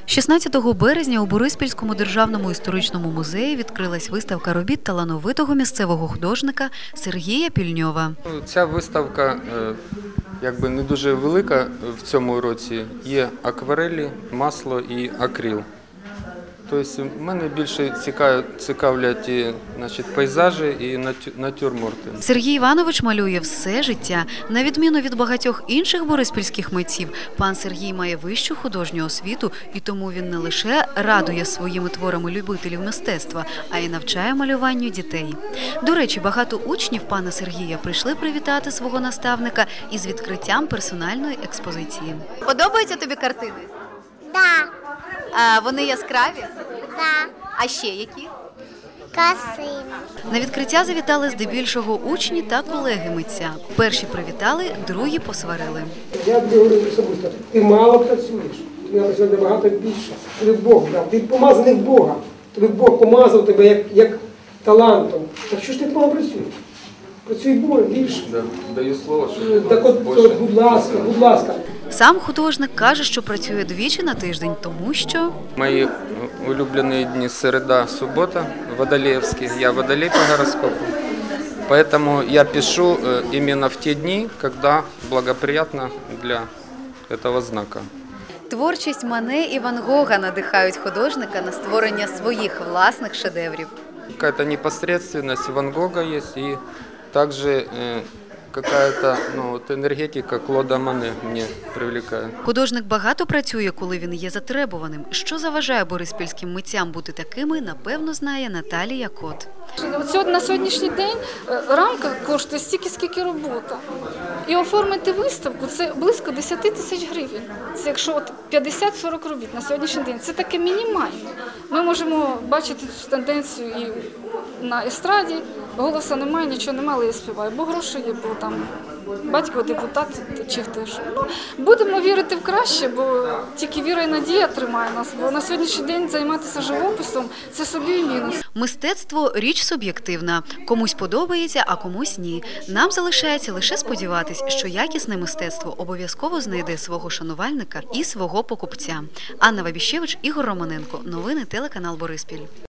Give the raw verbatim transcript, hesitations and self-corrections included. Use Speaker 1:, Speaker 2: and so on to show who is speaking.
Speaker 1: шістнадцятого березня у Бориспільському державному історичному музеї відкрилась виставка робіт талановитого місцевого художника Сергія Пільньова.
Speaker 2: Ця виставка якби не дуже велика в цьому році. Є акварелі, масло і акрил. Тобто мене більше цікавлять, значить, пейзажі і натюрморти.
Speaker 1: Сергій Іванович малює все життя. На відміну від багатьох інших бориспільських митців, пан Сергій має вищу художню освіту, і тому він не лише радує своїми творами любителів мистецтва, а й навчає малюванню дітей. До речі, багато учнів пана Сергія прийшли привітати свого наставника із відкриттям персональної експозиції. Подобаються тобі картини?
Speaker 3: Да.
Speaker 1: А вони яскраві?
Speaker 3: Да.
Speaker 1: А ще які?
Speaker 3: Красиві.
Speaker 1: На відкриття завітали здебільшого учні та колеги митця. Перші привітали, другі посварили.
Speaker 4: Я тобі говорю особисто, ти мало працюєш, ти працюєш набагато більше. Тобі Бог дав, ти помазаний Бога, тобі Бог помазав тебе як, як талантом. Так що ж ти мало працюєш? Працюй більше.
Speaker 2: Да, даю слово, що
Speaker 4: так от,
Speaker 2: більше.
Speaker 4: Будь ласка, будь ласка.
Speaker 1: Сам художник каже, що працює двічі на тиждень, тому що...
Speaker 2: Мої улюблені дні – середа, субота, водолеевские. Я водолей по гороскопу. Поэтому я пишу именно в те дни, когда благоприятно для этого знака.
Speaker 1: Творчість Мане і Ван Гога надихають художника на створення своїх власних шедеврів.
Speaker 2: Какая-то непосредственность Ван Гога есть, и также э, какая-то ну, вот энергетика Клода Мане мне привлекает.
Speaker 1: Художник багато працює, коли він є затребуваним. Що заважає бориспільським митцям бути такими, напевно, знає Наталія Кот.
Speaker 5: На сьогоднішній день рамка коштує стільки, скільки робота. І оформити виставку – це близько десять тисяч гривень. Це якщо п'ятдесят-сорок робіт на сьогоднішній день. Це таке мінімально. Ми можемо бачити цю тенденцію і на естраді. Голосу немає, нічого немає, але я співаю. Бо гроші є, бо там батько депутат чи хтось. Ну, будемо вірити в краще, бо тільки віра і надія тримає нас. Бо на сьогоднішній день займатися живописом – це собі і мінус.
Speaker 1: Мистецтво – річ суб'єктивна. Комусь подобається, а комусь ні. Нам залишається лише сподіватись, що якісне мистецтво обов'язково знайде свого шанувальника і свого покупця. Анна Вабіщевич, Ігор Романенко. Новини телеканал Бориспіль.